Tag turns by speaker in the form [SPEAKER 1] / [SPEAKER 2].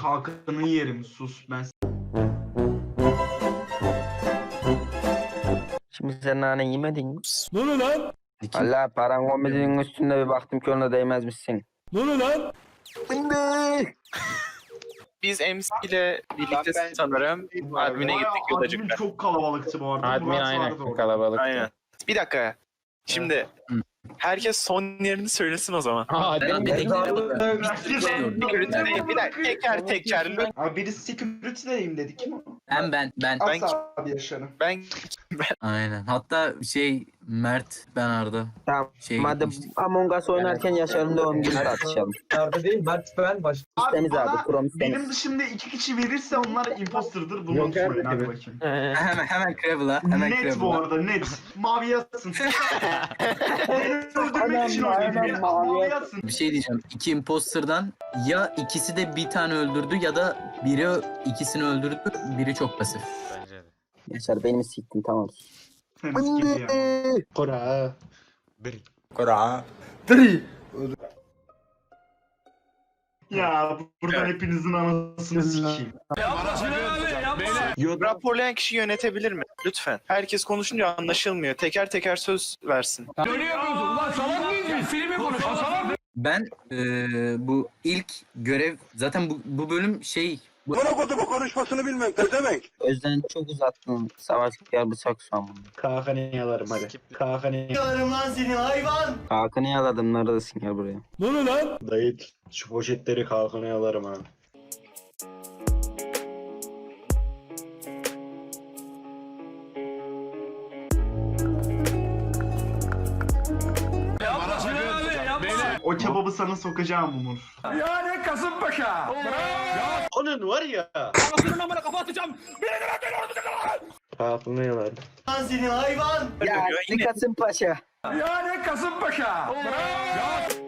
[SPEAKER 1] Hakan'ı yerim sus ben.
[SPEAKER 2] Şimdi sen nane yemedin mi?
[SPEAKER 3] Ne oluyor lan?
[SPEAKER 2] Allah paran komedinin üstünde bir baktım ki ona değmezmişsin.
[SPEAKER 3] Ne oluyor lan?
[SPEAKER 2] Şimdi.
[SPEAKER 4] Biz MC ile birlikte sanırım admin'e gittik
[SPEAKER 1] Admin
[SPEAKER 4] Yodacık'ta.
[SPEAKER 1] çok kalabalıktı bu arada.
[SPEAKER 5] Admin
[SPEAKER 1] Murat vardı
[SPEAKER 5] aynen
[SPEAKER 1] orada.
[SPEAKER 5] kalabalık.
[SPEAKER 4] Aynen. Bir dakika. Şimdi herkes son yerini söylesin o zaman.
[SPEAKER 5] Admin
[SPEAKER 4] Bir dakika teker.
[SPEAKER 1] Abi birisi security'deyim dedi. Kim o?
[SPEAKER 6] Ben.
[SPEAKER 1] Asla abi yaşarım.
[SPEAKER 4] Ben
[SPEAKER 6] Aynen. Hatta Mert, ben Arda.
[SPEAKER 2] Tamam. Madem
[SPEAKER 6] Gitmiştik.
[SPEAKER 2] Among Us oynarken Yaşar'ın doğum günü tartışalım.
[SPEAKER 7] Arda değil, Mert ben baş.
[SPEAKER 2] İstemiz abi.
[SPEAKER 1] bana
[SPEAKER 2] Kurum
[SPEAKER 1] benim
[SPEAKER 2] istemiz.
[SPEAKER 1] dışında 2 kişi verirse onlar imposter'dır. Bunu
[SPEAKER 5] Yok,
[SPEAKER 1] söyleyin hadi
[SPEAKER 5] evet.
[SPEAKER 1] bakayım.
[SPEAKER 6] Hemen Krabble'a. Hemen
[SPEAKER 1] Net bu
[SPEAKER 6] Krabble'a.
[SPEAKER 1] arada net. Mavi yatsın. Beni öldürmek
[SPEAKER 2] Aynen,
[SPEAKER 1] için oynadı.
[SPEAKER 2] aynen,
[SPEAKER 1] Beni
[SPEAKER 2] mavi
[SPEAKER 1] mavi
[SPEAKER 2] yatsın.
[SPEAKER 1] yatsın.
[SPEAKER 6] Bir şey diyeceğim. İki imposter'dan ya ikisi de bir tane öldürdü ya da biri ikisini öldürdü. Biri çok pasif.
[SPEAKER 5] Bence de.
[SPEAKER 2] Yaşar benim siktin tamam.
[SPEAKER 1] Temiz gibi ya.
[SPEAKER 5] Kora.
[SPEAKER 1] Ya buradan hepinizin anasını sikeyim.
[SPEAKER 4] raporlayan kişi yönetebilir mi? Lütfen. Herkes konuşunca anlaşılmıyor. Teker teker söz versin.
[SPEAKER 6] Ben bu ilk görev zaten bu bölüm
[SPEAKER 2] Özden çok uzattın. Savaş gel bıçak son.
[SPEAKER 5] Kalkanı yalarım hadi. Kalkanı
[SPEAKER 2] Hakan'ı yaladım. Neredesin gel buraya.
[SPEAKER 3] Ne oluyor lan?
[SPEAKER 5] Dayı şu poşetleri kalkanı yalarım ha.
[SPEAKER 1] O kebabı sana sokacağım Umur.
[SPEAKER 5] Onun var ya. Kalkanı yalarım.
[SPEAKER 2] Ya Kasım Paşa.
[SPEAKER 3] Ya ne Kasımpaşa?